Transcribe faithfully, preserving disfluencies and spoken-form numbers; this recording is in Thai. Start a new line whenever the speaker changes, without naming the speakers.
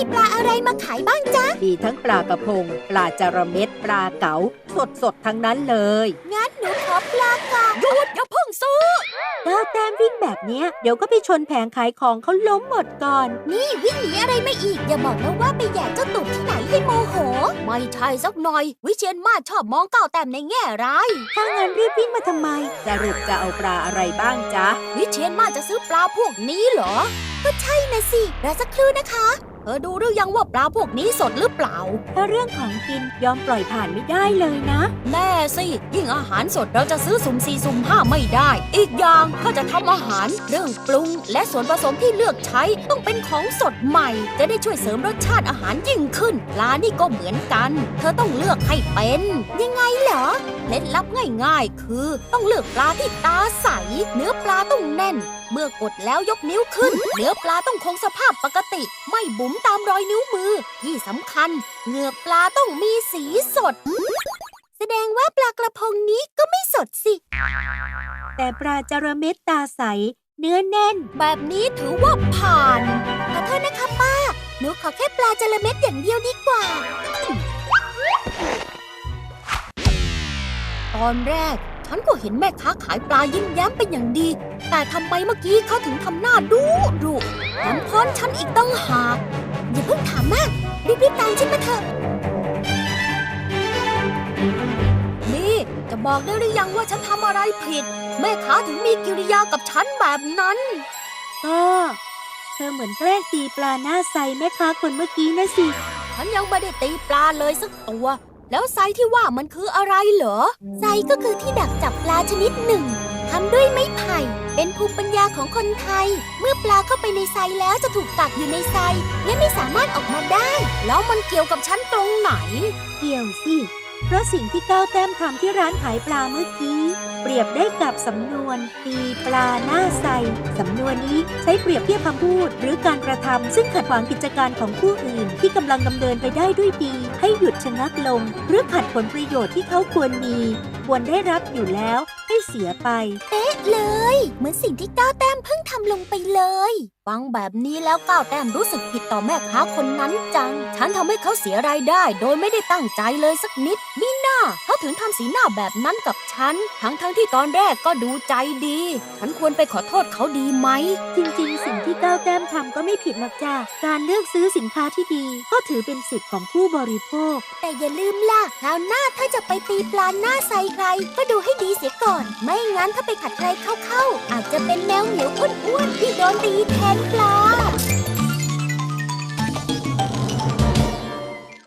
มีปลาอะไรมาขายบ้างจ๊ะ
มีทั้งปลากระพงปลาจาระเม็ดปลาเก๋าสดสดทั้งนั้นเลย
งั้นหนูขอปลาเก๋าหยุดอย่าเพิ่งซื้อ
ก้าวแต้มวิ่งแบบเนี้ยเดี๋ยวก็ไปชนแผงขายของเขาล้มหมดก่อน
นี่วิ่งหนีอะไรมาอีกอย่าบอกนะว่าไปแย่เจ้าตุ่มที่ไหนให้โมโหไม่ใช่สักหน่อยวิเชียรมาศชอบมองก้าวแต้มในแง่ร้าย
ถ้างั้นรีบวิ่งมาทำไมสรุปจะเอาปลาอะไรบ้างจ๊ะ
วิเชียรมาศจะซื้อปลาพวกนี้เหรอก็ใช่นะสิรอสักครู่นะคะเธอดูหรือยังว่าปลาพวกนี้สดหรือเปล่า
ถ้าเรื่องของกินยอมปล่อยผ่านไม่ได้เลยนะ
แน่สิยิ่งอาหารสดเราจะซื้อสุ่มสี่สุ่มห้าไม่ได้อีกอย่างถ้าจะทำอาหารเรื่องปรุงและส่วนผสมที่เลือกใช้ต้องเป็นของสดใหม่จะได้ช่วยเสริมรสชาติอาหารยิ่งขึ้นปลานี่ก็เหมือนกันเธอต้องเลือกให้เป็นยังไงเหรอเคล็ดลับง่ายๆคือต้องเลือกปลาที่ตาใสเนื้อปลาต้องแน่นเมื่อกดแล้วยกนิ้วขึ้นเนื้อปลาต้องคงสภาพปกติไม่บุ๋มตามรอยนิ้วมือที่สำคัญเหงือกปลาต้องมีสีสดแสดงว่าปลากระพงนี้ก็ไม่สดสิ
แต่ปลาจาระเม็ดตาใสเนื้อแน่น
แบบนี้ถือว่าผ่านขอโทษนะคะป้าหนูขอแค่ปลาจาระเม็ดอย่างเดียวดีกว่าตอนแรกฉันก็เห็นแม่ค้าขายปลายิ้มแย้มเป็นอย่างดีแต่ทำไมเมื่อกี้เขาถึงทำหน้าดุดุแถมค้อนฉันอีกตั้งหากอย่าเพิ่งถามมากรีบๆตามฉันมาเถอะนี่จะบอกได้หรือยังว่าฉันทำอะไรผิดแม่ค้าถึงมีกิริยากับฉันแบบนั้น
ก็เธอเหมือนแกล้งตีปลาหน้าใสแม่ค้าคนเมื่อกี้นะสิ
ฉันยังไม่ได้ตีปลาเลยสักตัวแล้วไซที่ว่ามันคืออะไรเหรอไซก็คือที่ดักจับปลาชนิดหนึ่งทำด้วยไม้ไผ่เป็นภูมิปัญญาของคนไทยเมื่อปลาเข้าไปในไซแล้วจะถูกกักอยู่ในไซและไม่สามารถออกมาได้แล้วมันเกี่ยวกับฉันตรงไหน
เกี่ยวสิเพราะสิ่งที่ก้าวแต้มทำที่ร้านขายปลาเมื่อกี้เปรียบได้กับสำนวนตีปลาหน้าใสสำนวนนี้ใช้เปรียบเทียบคำพูดหรือการกระทำซึ่งขัดขวางกิจการของผู้อื่นที่กำลังดำเนินไปได้ด้วยดีให้หยุดชะงักลงหรือขัดผลประโยชน์ที่เขาควรมีควรได้รับอยู่แล้วให้เสียไป
เป๊ะเลยเหมือนสิ่งที่ก้าวแต้มเพิ่งทำลงไปเลยฟังแบบนี้แล้วก้าวแต้มรู้สึกผิดต่อแม่ค้าคนนั้นจังฉันทำให้เขาเสียรายได้โดยไม่ได้ตั้งใจเลยสักนิดมิน่าเขาถึงทำสีหน้าแบบนั้นกับฉันทั้งทั้งที่ตอนแรกก็ดูใจดีฉันควรไปขอโทษเขาดีไหม
จริงๆสิ่งที่ก้าวแต้มทำก็ไม่ผิดหรอกจ้ะการเลือกซื้อสินค้าที่ดีก็ถือเป็นสิทธิ์ของผู้บริโภค
แต่อย่าลืมล่ะคราวหน้าถ้าจะไปตีปลาหน้าใสใครก็ดูให้ดีเสียก่อนไม่งั้นถ้าไปขัดใครเข้าๆอาจจะเป็นแมวเหนียวอ้วนๆที่โดนตีแทนปลา